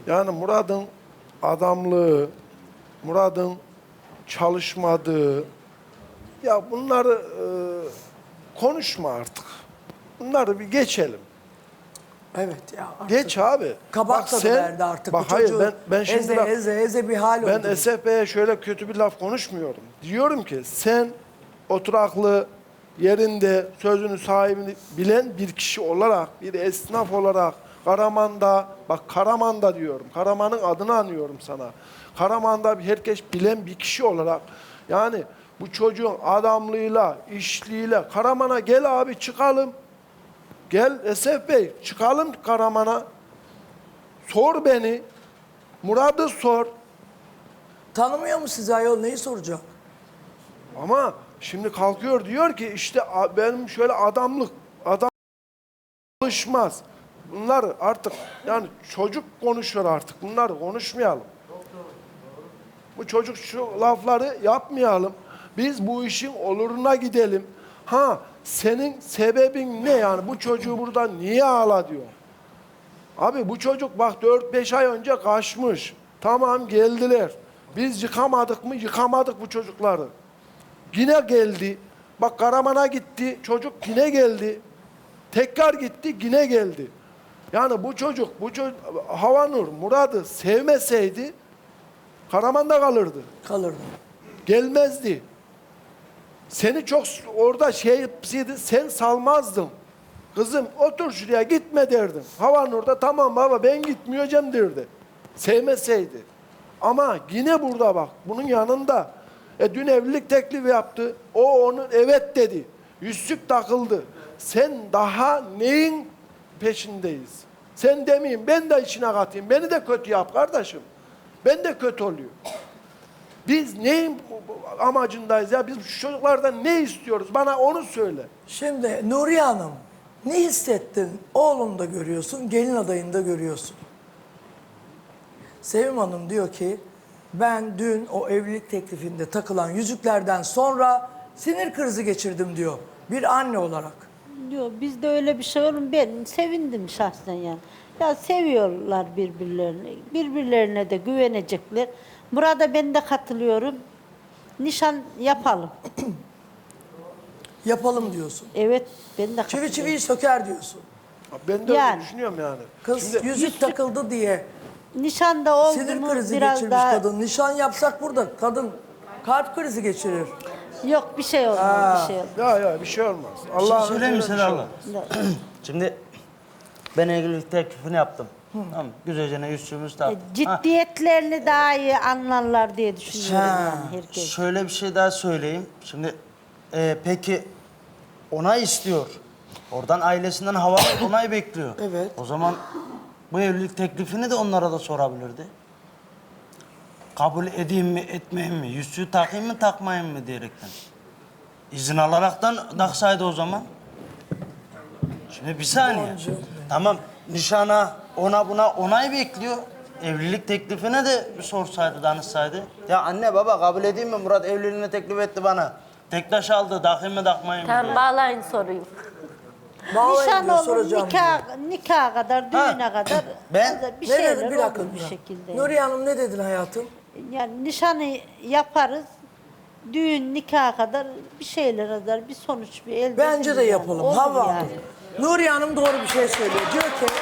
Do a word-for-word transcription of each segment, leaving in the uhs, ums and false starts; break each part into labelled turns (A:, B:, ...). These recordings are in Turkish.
A: Yani Murat'ın adamlığı, Murat'ın çalışmadığı, ya bunları e, konuşma artık. Bunları bir geçelim.
B: Evet ya. Artık
A: Geç abi.
B: kabak tadı verdi artık.
A: Bak
B: Bu
A: hayır
B: çocuğu
A: ben, ben şimdi
B: eze,
A: bak,
B: eze eze bir hal
A: ben
B: oldu.
A: S F B'ye şöyle kötü bir laf konuşmuyorum. Diyorum ki sen oturaklı yerinde sözünü sahibini bilen bir kişi olarak, bir esnaf olarak Karaman'da, bak Karaman'da diyorum, Karaman'ın adını anıyorum sana. Karaman'da herkes bilen bir kişi olarak, yani bu çocuğun adamlığıyla, işliğiyle, Karaman'a gel abi çıkalım. Gel Esef Bey çıkalım Karaman'a. Sor beni. Murat'ı sor.
B: Tanımıyor mu sizi ayol, neyi soracak?
A: Ama şimdi kalkıyor diyor ki işte a- benim şöyle adamlık, adam çalışmaz. Bunlar artık yani çocuk konuşuyor artık. Bunları konuşmayalım. Bu çocuk şu lafları yapmayalım. Biz bu işin oluruna gidelim. Ha senin sebebin ne yani? Bu çocuğu buradan niye ağla diyor. Abi bu çocuk bak dört beş ay önce kaçmış. Tamam geldiler. Biz yıkamadık mı? Yıkamadık bu çocukları. Yine geldi. Bak Karaman'a gitti. Çocuk yine geldi. Tekrar gitti yine geldi. Yani bu çocuk, bu çocuk Havanur Murat'ı sevmeseydi Karaman'da kalırdı.
B: Kalırdı.
A: Gelmezdi. Seni çok orada şey yapsaydı sen salmazdın. Kızım otur şuraya gitme derdim. Havanur'da tamam baba ben gitmeyeceğim derdi. Sevmeseydi. Ama yine burada bak bunun yanında. E dün evlilik teklifi yaptı. O onun evet dedi. Yüzsük takıldı. Sen daha neyin peşindeyiz? Sen demeyeyim ben de içine katayım. Beni de kötü yap kardeşim. Ben de kötü oluyor. Biz neyin amacındayız ya? Biz şu çocuklardan ne istiyoruz? Bana onu söyle.
B: Şimdi Nuriye Hanım, ne hissettin? Oğlunu da görüyorsun, gelin adayını da görüyorsun. Sevim Hanım diyor ki, ben dün o evlilik teklifinde takılan yüzüklerden sonra sinir krizi geçirdim diyor. Bir anne olarak.
C: Diyor bizde öyle bir şey olur mu? Ben sevindim şahsen yani. Ya seviyorlar birbirlerini. Birbirlerine de güvenecekler. Burada ben de katılıyorum. Nişan yapalım.
B: Yapalım diyorsun.
C: Evet ben de katılıyorum.
B: Çivi çiviyi söker diyorsun.
A: Ben de
C: Yani.
A: öyle düşünüyorum yani.
B: Kız
A: Şimdi,
B: yüzük takıldı diye
C: Nişan da oldu
B: sinir
C: mu
B: krizi
C: biraz
B: geçirmiş
C: daha...
B: kadın. Nişan yapsak burada kadın kalp krizi geçirir.
C: Yok bir şey olmaz bir şey olmaz.
A: ya ya bir şey olmaz.
D: Bir şey
A: Allah'ın
D: söyleyeyim mi
A: izniyle bir
D: Seda
A: şey
D: abla?
A: olmaz.
D: Şimdi ben evlilik teklifini yaptım. Tamam mı? Güzelce yüzüğümüzü
C: E,
D: taktım. Ha,
C: Ciddiyetlerini daha iyi anlarlar diye düşünüyorum
B: Ha,
C: yani herkes.
D: şöyle bir şey daha söyleyeyim. Şimdi e, peki onay istiyor. Oradan ailesinden hava onay bekliyor.
B: Evet.
D: O zaman bu evlilik teklifini de onlara da sorabilirdi. Kabul edeyim mi, etmeyeyim mi? Yüzüğü takayım mı, takmayayım mı diyerekten. İzin alaraktan taksaydı o zaman. Şimdi bir saniye. Tamam, nişana, ona buna onay bekliyor. Evlilik teklifine de bir sorsaydı, danışsaydı. Ya anne baba kabul edeyim mi? Murat evliliğini teklif etti bana. Tektaş aldı, takayım mı, takmayayım mı
E: Tamam
D: diye.
E: bağlayın soruyu.
B: Vallahi
C: Nişan
B: diyor,
C: olur,
B: soracağım
C: nikah,
B: diyor.
C: nikaha kadar, düğüne kadar
D: Ben-
C: bir
B: Ne
C: şeyler
B: dedin bir
C: olur
B: dakika?
C: bir şekilde.
B: Nuriye Hanım ne dedin hayatım?
C: Yani nişanı yaparız, düğün, nikaha kadar bir şeyler kadar bir sonuç bir elde
B: Bence de
C: ederiz yani.
B: yapalım.
C: Olur
B: Hava
C: yani.
B: Hanım. Nuriye Hanım doğru bir şey söylüyor. Diyor ki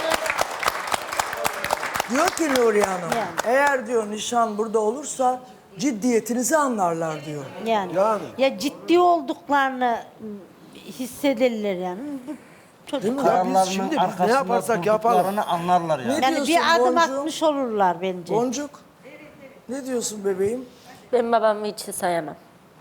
B: Diyor ki Nuriye Hanım,
C: Yani.
B: eğer diyor nişan burada olursa ciddiyetinizi anlarlar diyor.
C: Yani.
A: Yani.
C: Ya ciddi olduklarını hissederler yani. Bu çocuk.
A: Ya biz
D: Kararlarının
A: şimdi biz ne
D: arkasında
A: yaparsak yapalım.
D: durduklarını anlarlar yani.
B: Ne
C: Yani bir
B: diyorsun
C: adım
B: Boncuğum?
C: atmış olurlar bence.
B: Boncuk, ne diyorsun bebeğim?
E: Ben babamı hiç sayamam.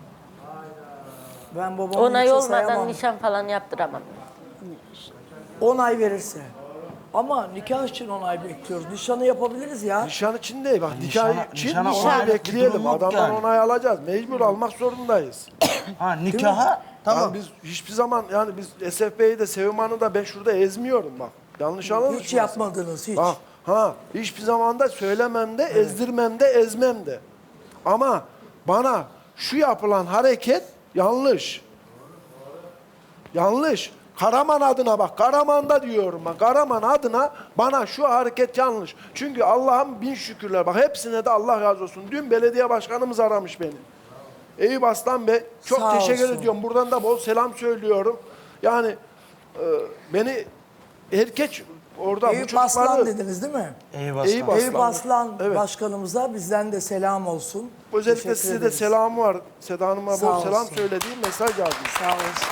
B: Ben babamı
E: Onay
B: hiç
E: olmadan
B: sayamam.
E: nişan falan yaptıramam.
B: Onay verirse. Ama nikah için onay bekliyoruz. Nişanı yapabiliriz ya.
A: Nişan için değil bak. Nikah
D: Nişana-
A: için
D: nişana
A: onay
D: onaylık bir
A: bekleyelim.
D: durum yok
A: Adamdan
D: yani.
A: onay alacağız. Mecbur almak zorundayız.
D: Ha nikaha
A: Tamam.
D: tamam.
A: biz hiçbir zaman yani biz S F B'yi de Sevim Hanım'ı da ben şurada ezmiyorum bak. Yanlış anlamışsın.
B: Hiç yapmadınız hiç.
A: Bak ha hiçbir zaman da söylemem de ezdirmem de ezmem de. Ama bana şu yapılan hareket yanlış. Yanlış. Karaman adına bak, Karaman'da diyorum ben. Karaman adına bana şu hareket yanlış. Çünkü Allah'ım bin şükürler. Bak hepsine de Allah razı olsun. Dün belediye başkanımız aramış beni. Eyüp Aslan Bey, çok
B: Sağ
A: teşekkür
B: olsun.
A: ediyorum. Buradan da bol selam söylüyorum. Yani e, beni herkes orada bu
B: Eyüp
A: çocukları...
B: Aslan dediniz değil mi?
D: Eyvah.
A: Eyüp
B: Eyüp
A: Aslan.
B: Aslan
A: Evet.
B: başkanımıza bizden de selam olsun.
A: Özellikle
B: Teşekkür
A: size de
B: ederiz.
A: selamı var. Seda Hanım'a
B: Sağ
A: bol selam
B: olsun.
A: söylediğim mesaj yazdım.
B: Sağ olsun.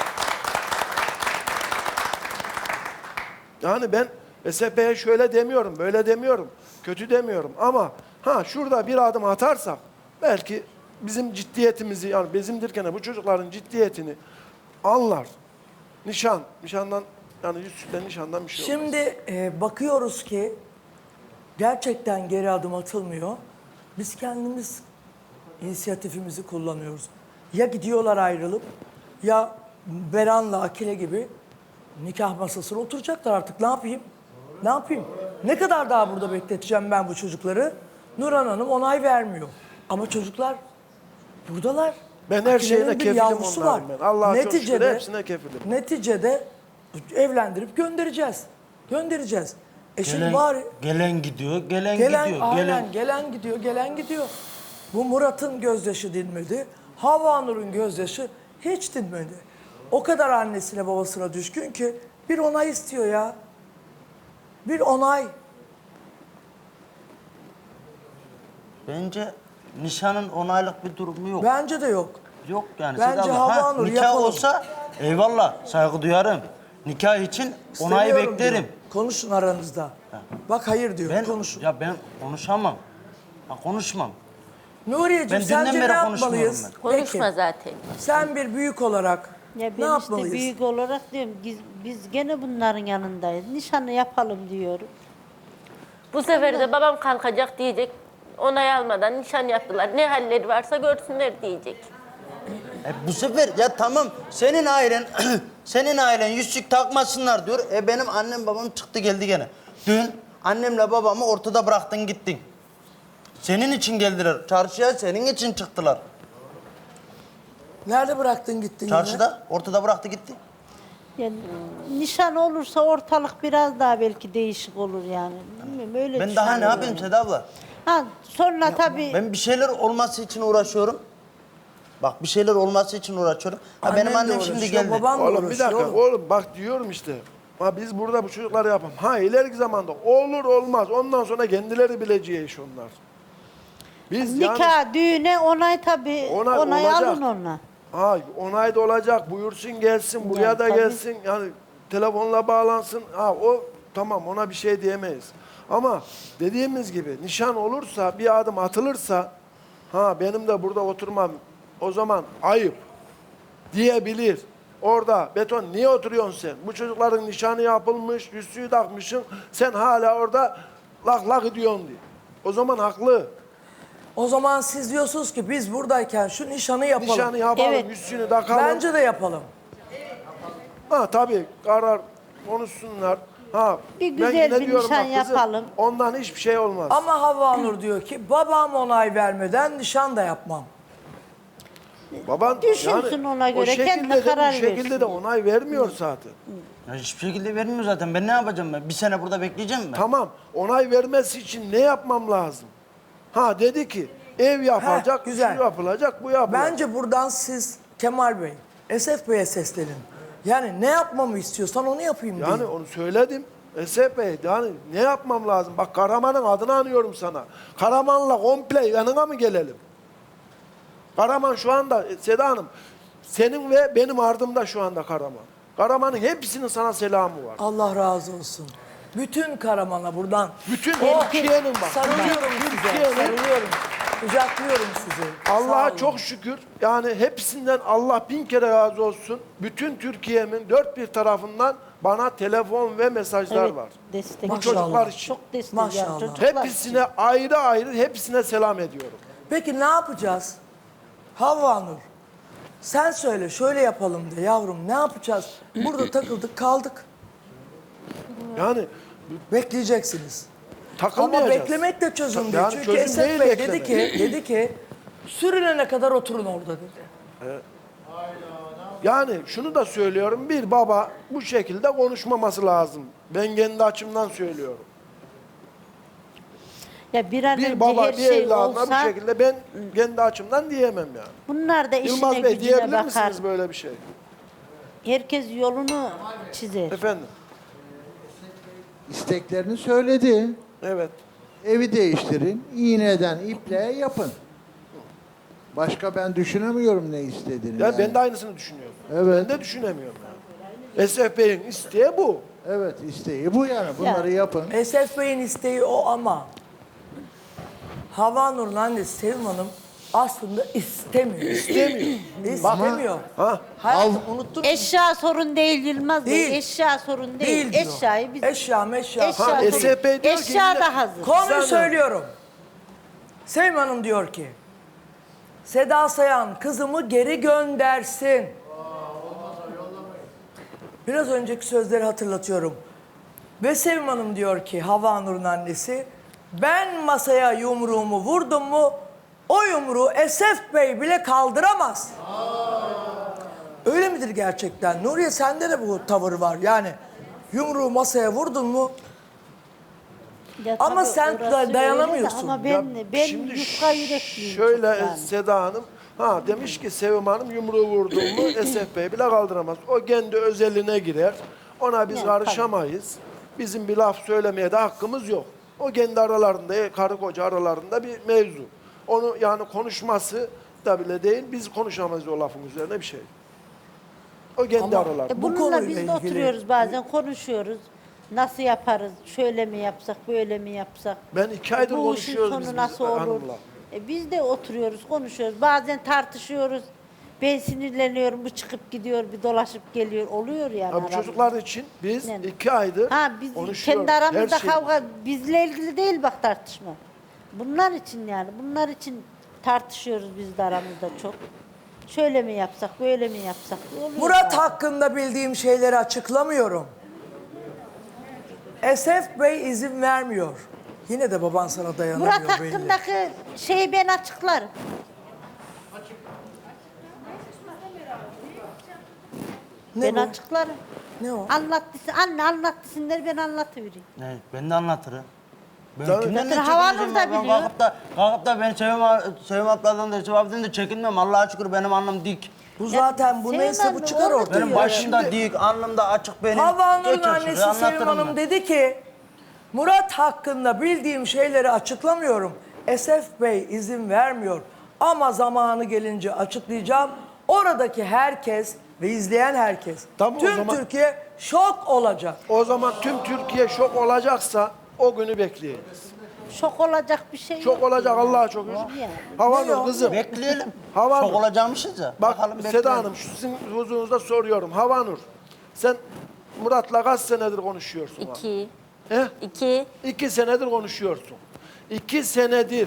A: Yani ben S H P'ye şöyle demiyorum, böyle demiyorum, kötü demiyorum. Ama ha şurada bir adım atarsak belki bizim ciddiyetimizi, yani bizim derken bu çocukların ciddiyetini anlar. Nişan, nişandan yani yüzsüzden nişandan bir şey olmaz.
B: Şimdi e, bakıyoruz ki gerçekten geri adım atılmıyor. Biz kendimiz inisiyatifimizi kullanıyoruz. Ya gidiyorlar ayrılıp ya Beran'la Akile gibi nikah masasına oturacaklar artık. Ne yapayım? Ne yapayım? Ne kadar daha burada bekleteceğim ben bu çocukları? Nurhan Hanım onay vermiyor. Ama çocuklar buradalar.
A: Ben her
B: Akile'nin
A: şeyine
B: bir
A: kefilim
B: yavrusu
A: onların
B: var.
A: ben. Allah'a çok şükür
B: Neticede-
A: hepsine kefilim.
B: Neticede evlendirip göndereceğiz. Göndereceğiz. E şimdi
D: Gelen,
B: bari
D: gelen gidiyor, gelen,
B: gelen,
D: gidiyor.
B: aynen,
D: Gelen.
B: gelen gidiyor, gelen gidiyor. Bu Murat'ın gözyaşı dinmedi. Havanur'un gözyaşı hiç dinmedi. O kadar annesine babasına düşkün ki bir onay istiyor ya. Bir onay.
D: Bence nişanın onaylık bir durumu yok.
B: Bence de yok.
D: Yok yani.
B: Bence
D: Seda abla.
B: Havva
D: Ha,
B: Nur
D: nikah
B: yapalım.
D: olsa eyvallah saygı duyarım. Nikah için onayı
B: İstemiyorum
D: beklerim.
B: diyor. Konuşun aranızda. Bak hayır diyor.
D: Ben
B: Konuşun.
D: ya ben konuşamam. Ha, konuşmam.
B: Nuriyeciğim
D: Ben dünden
B: sence ne
D: beri konuşmuyorum
B: yapmalıyız?
D: ben.
E: Konuşma
B: Peki,
E: zaten.
B: sen bir büyük olarak
C: Ya
B: ne
C: ben
B: yapmalıyız?
C: işte büyük olarak diyorum biz, biz gene bunların yanındayız. Nişanı yapalım diyorum.
E: Bu sefer de babam kalkacak diyecek. Onay almadan nişan yaptılar. Ne halleri varsa görsünler diyecek.
D: E bu sefer ya tamam senin ailen senin ailen yüzük takmasınlar diyor. E benim annem babam çıktı geldi gene. Dün annemle babamı ortada bıraktın gittin. Senin için geldiler. Çarşıya senin için çıktılar.
B: Nerede bıraktın gittin yine?
D: Çarşıda ortada bıraktı gitti.
C: Yani nişan olursa ortalık biraz daha belki değişik olur yani. Bilmiyorum, öyle
D: Ben daha ne
C: düşünüyorum
D: yapayım
C: yani.
D: Seda abla?
C: Ha, sonra tabii
D: Ben bir şeyler olması için uğraşıyorum. Bak bir şeyler olması için uğraşıyorum. Ha
B: Annen
D: benim
B: de
D: annem şimdi
B: uğraşıyor,
D: geldi.
B: baban da
A: Oğlum bir
B: uğraşıyor
A: dakika,
B: oğlum.
A: oğlum bak diyorum işte. Ha biz burada bu çocukları yapalım. Ha ileriki zamanda olur olmaz. Ondan sonra kendileri bileceği iş onlar. Biz yani
C: nikah, düğüne onay tabii.
A: Onay
C: Onay,
A: olacak.
C: alın ona.
A: ha onay da olacak. Buyursun gelsin, buraya
C: Yani
A: da
C: tabii.
A: gelsin. Yani telefonla bağlansın. Ha o tamam, ona bir şey diyemeyiz. Ama dediğimiz gibi nişan olursa, bir adım atılırsa ha benim de burada oturmam o zaman ayıp diyebilir. Orada beton niye oturuyorsun sen? Bu çocukların nişanı yapılmış, yüzüğü takmışsın. Sen hala orada lak lak ediyorsun diye. O zaman haklı.
B: O zaman siz diyorsunuz ki biz buradayken şu nişanı yapalım.
A: Nişanı yapalım,
C: Evet.
A: yüzüğünü takalım.
B: Bence de yapalım.
A: Ha tabii karar konuşsunlar. Ha
C: Bir
A: ben
C: güzel
A: yine
C: bir
A: diyorum
C: nişan
A: bak kızım,
C: yapalım.
A: ondan hiçbir şey olmaz.
B: Ama Havva Nur diyor ki babam onay vermeden nişan da yapmam.
A: Baban
C: Düşünsün ona göre,
A: o şekilde
C: kendine
A: de,
C: karar
A: bu şekilde
C: versin.
A: de onay vermiyor zaten.
D: Ya hiçbir şekilde vermiyor zaten. Ben ne yapacağım ben? Bir sene burada bekleyeceğim mi?
A: Tamam, onay vermesi için ne yapmam lazım? Ha dedi ki ev yapılacak,
B: Heh, güzel.
A: şu yapılacak, bu yapılacak.
B: Bence buradan siz Kemal Bey, Esef Bey'e seslenin. Yani ne yapmamı istiyorsan onu yapayım
A: Yani
B: deyin.
A: onu söyledim. Esef Bey, yani ne yapmam lazım? Bak Karaman'ın adını anıyorum sana. Karaman'la komple yanına mı gelelim? Karaman şu anda, e, Seda Hanım, senin ve benim ardımda şu anda Karaman. Karaman'ın hepsinin sana selamı var.
B: Allah razı olsun. Bütün Karaman'a buradan.
A: Bütün
B: Oh,
A: Türkiye'nin bak.
B: Sarılıyorum
A: bütün
B: size,
A: Türkiye'nin-
B: sarılıyorum. Kucaklıyorum sizi. Sağ
A: Allah'a
B: olun.
A: çok şükür. Yani hepsinden Allah bin kere razı olsun. Bütün Türkiye'min dört bir tarafından bana telefon ve mesajlar
C: Evet,
A: var.
C: destek.
A: Bu
B: Maşallah.
A: çocuklar için.
C: Çok destek
B: Maşallah.
C: yani çocuklar için.
A: Hepsine ayrı ayrı hepsine selam ediyorum.
B: Peki ne yapacağız? Havva Nur, sen söyle şöyle yapalım de yavrum, ne yapacağız? Burada takıldık kaldık.
A: Yani
B: Bekleyeceksiniz. Ama
A: takılmayacağız.
B: beklemek de çözüm değil.
A: Yani
B: Çünkü
A: çözüm
B: Esef
A: değil
B: Bey
A: beklemek.
B: dedi ki, dedi ki sürünene kadar oturun orada dedi.
A: Yani şunu da söylüyorum, bir baba bu şekilde konuşmaması lazım. Ben kendi açımdan söylüyorum.
C: Ya bir an
A: Bir
C: önce
A: baba
C: her
A: bir
C: şey
A: evladına bu
C: olsa
A: şekilde ben kendi açımdan diyemem yani.
C: bunlar da işine
A: Yılmaz Bey
C: gücüne
A: diyebilir
C: bakar.
A: misiniz böyle bir şey?
C: Herkes yolunu çizer.
A: Efendim?
F: İsteklerini söyledi.
A: Evet.
F: Evi değiştirin, iğneden ipliğe yapın. Başka ben düşünemiyorum ne istediğini.
A: Ya
F: yani.
A: ben de aynısını düşünüyorum.
F: Evet.
A: Ben de düşünemiyorum yani. Esef Bey'in isteği bu.
F: Evet, isteği bu yani. Bunları
C: Ya.
F: yapın.
B: Esef Bey'in isteği o ama Havanur'un annesi Sevim Hanım aslında istemiyor.
A: İstemiyor.
B: İstemiyor.
A: Ha?
B: Hayatım unuttun mu?
C: Eşya sorun değil Yılmaz Bey.
B: Değil.
C: Eşya sorun değil.
B: Değil diyor.
C: Eşyayı biz...
B: Eşya meşya.
C: Eşya
A: Ha,
C: sorun.
A: Esef Bey diyor ki
C: Eşya
A: yine-
C: da hazır.
B: Konuyu
A: Sen-
B: söylüyorum. Sevim Hanım diyor ki Seda Sayan kızımı geri göndersin. Biraz önceki sözleri hatırlatıyorum. Ve Sevim Hanım diyor ki Havanur'un annesi ben masaya yumruğumu vurdum mu o yumruğu Esef Bey bile kaldıramaz. Öyle midir gerçekten? Nuriye sende de bu tavır var. Yani yumruğu masaya vurdun mu
C: Ya
B: Ama
C: tabii
B: sen
C: orası
B: da
C: öyle de
B: dayanamıyorsun.
C: Ama ben,
A: Ya
C: ben
A: şimdi
C: yufka yürekliyim.
A: Şöyle
C: çok yani.
A: Seda Hanım, ha demiş ki Sevim Hanım yumruğu vurduğumu Esef Bey bile kaldıramaz. O kendi özeline girer. Ona biz
C: Ya,
A: karışamayız. Bizim bir laf söylemeye de hakkımız yok. O kendi aralarında, karı koca aralarında bir mevzu. Onu yani konuşması da bile değil, biz konuşamayız o lafın üzerine bir şey. O kendi
B: Ama-
A: aralarında.
C: E
B: Bu
C: bununla
B: konuyla
C: biz de
B: ilgili-
C: oturuyoruz bazen konuşuyoruz. Nasıl yaparız? Şöyle mi yapsak, böyle mi yapsak?
A: Ben iki aydır
C: Bu işin
A: konuşuyoruz
C: sonu
A: biz
C: nasıl
A: biz
C: olur?
A: hanımla.
C: E biz de oturuyoruz, konuşuyoruz. Bazen tartışıyoruz. Ben sinirleniyorum, bu çıkıp gidiyor, bir dolaşıp geliyor. Oluyor yani.
A: Ha, bu
C: aramızda.
A: çocuklar için biz
C: Yani.
A: iki aydır
C: Ha biz
A: konuşuyoruz.
C: kendi aramızda
A: Her şey-
C: kavga, bizle ilgili değil bak tartışma. Bunlar için yani, bunlar için tartışıyoruz biz de aramızda çok. Şöyle mi yapsak, böyle mi yapsak? Oluyor
B: Murat
C: bazen.
B: hakkında bildiğim şeyleri açıklamıyorum. Esef Bey izin vermiyor. Yine de baban sana dayanamıyor
C: Murat
B: belli.
C: hakkındaki şeyi ben açıklarım.
B: Ne
C: ben
B: bu?
C: açıklarım.
B: Ne o?
C: Anlattısın, anne anlattısınlar ben anlatıvereyim.
D: Ne? Ben de anlatırım. Ben
A: Tabii.
D: kimden ne
C: Zaten Havanur
D: çekineceğim
C: da
D: ya? Ben
C: biliyor.
D: Kalkıp da, kalkıp da ben Sevim, Sevim abladan da Sevim abladan da çekinmem. Allah'a şükür benim alnım dik.
B: Bu zaten bu
C: Sevim
B: neyse
C: anne,
B: bu çıkar
C: onu
B: ortaya.
D: Benim
C: diyor.
D: başımda dik, alnım da açık benim.
B: Havanur'un
D: Geçer şuraya,
B: annesi Sevim
D: anlatırım
B: Hanım
D: ben.
B: dedi ki Murat hakkında bildiğim şeyleri açıklamıyorum. Esef Bey izin vermiyor. Ama zamanı gelince açıklayacağım. Oradaki herkes ve izleyen herkes,
A: Tamam, o
B: tüm
A: zaman-
B: Türkiye şok olacak.
A: O zaman tüm Türkiye şok olacaksa o günü bekleyelim.
C: Şok olacak bir şey yok.
A: Şok olacak Allah'a çok
C: Yani.
A: şükür. Havanur kızım.
D: Bekleyelim.
A: Havanur.
D: Şok olacağımışız ya.
A: Bak
D: Bakalım
A: Seda
D: bekleyelim.
A: Hanım şu sizin huzurunuzda soruyorum. Havanur sen Murat'la kaç senedir konuşuyorsun? abi?
E: İki.
A: He?
E: İki.
A: İki senedir konuşuyorsun. İki senedir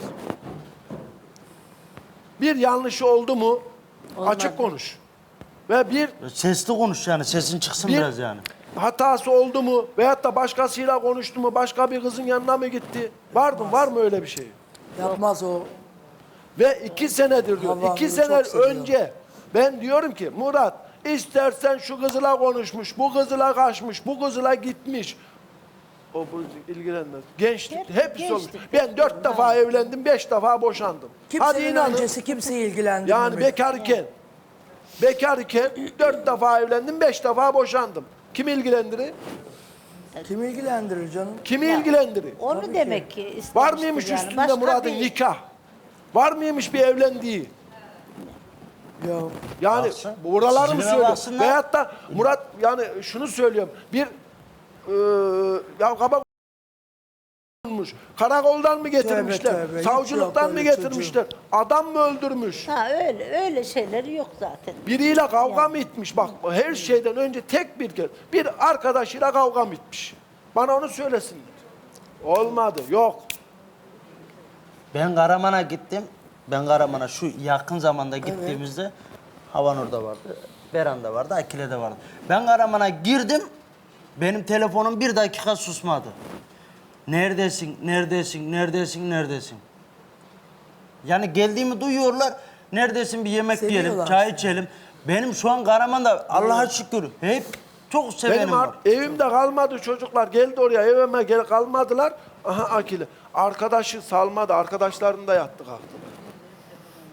A: bir yanlışı oldu mu açık konuş. Ve bir
D: Sesli konuş yani, sesin çıksın
A: Bir-
D: biraz yani.
A: hatası oldu mu veyahut da başkasıyla konuştu mu, başka bir kızın yanına mı gitti? Var mı? Var mı öyle bir şey?
B: Yapmaz o.
A: Ve iki senedir diyor.
B: Havanur'u
A: iki
B: çok
A: sene
B: seviyorum.
A: önce ben diyorum ki Murat istersen şu kızla konuşmuş, bu kızla kaçmış, bu kızla gitmiş. O bu ilgilenmez. Gençlik
C: Hep
A: hepsi olmuş.
C: gençlik.
A: Ben dört defa evlendim, beş defa boşandım. Hadi
B: Kimsenin
A: inanın.
B: öncesi kimseyi ilgilendirmemek.
A: Yani bekarken, bekarken dört defa evlendim, beş defa boşandım. Kim ilgilendirir?
B: Kim ilgilendirir canım?
A: Kimi ilgilendirir?
C: Onu
B: Tabii
C: demek ki istemiştir
A: Var mıymış
C: yani.
A: üstünde
C: Başka
A: Murat'ın
C: bir-
A: nikah? Var mıymış bir evlendiği?
B: Ya
A: Yani
D: Baksın.
A: buraları mı
D: Sizine
A: söylüyor?
D: baksınlar.
A: Veyahut da Murat yani şunu söylüyorum. Bir eee ya kabak olmuş. Karakoldan mı getirmişler?
B: Tövbe tövbe, hiç
A: Savcılıktan
B: yok
A: mı
B: öyle
A: getirmişler? Adam mı öldürmüş?
C: Ha öyle öyle şeyleri yok zaten.
A: Biriyle kavga mı etmiş? Bak her şeyden önce tek bir kez bir arkadaşıyla kavga mı etmiş? Bana onu söylesinler. Olmadı. Yok.
D: Ben Karaman'a gittim. Ben Karaman'a şu yakın zamanda gittiğimizde Havanur'da vardı. Beran'da vardı, Akile'de vardı. Ben Karaman'a girdim. Benim telefonum bir dakika susmadı. Neredesin, neredesin, neredesin, neredesin? Yani geldiğimi duyuyorlar. Neredesin bir yemek yiyelim,
B: Seviyorlar
D: çay
B: seni.
D: içelim. Benim şu an Karaman'da Allah'a şükür hep çok sevenim
A: Benim
D: var.
A: ar- evimde kalmadı çocuklar. Geldi oraya evime gel kalmadılar. Aha Akile. Arkadaşı salmadı. Arkadaşlarım da yattı kalktı.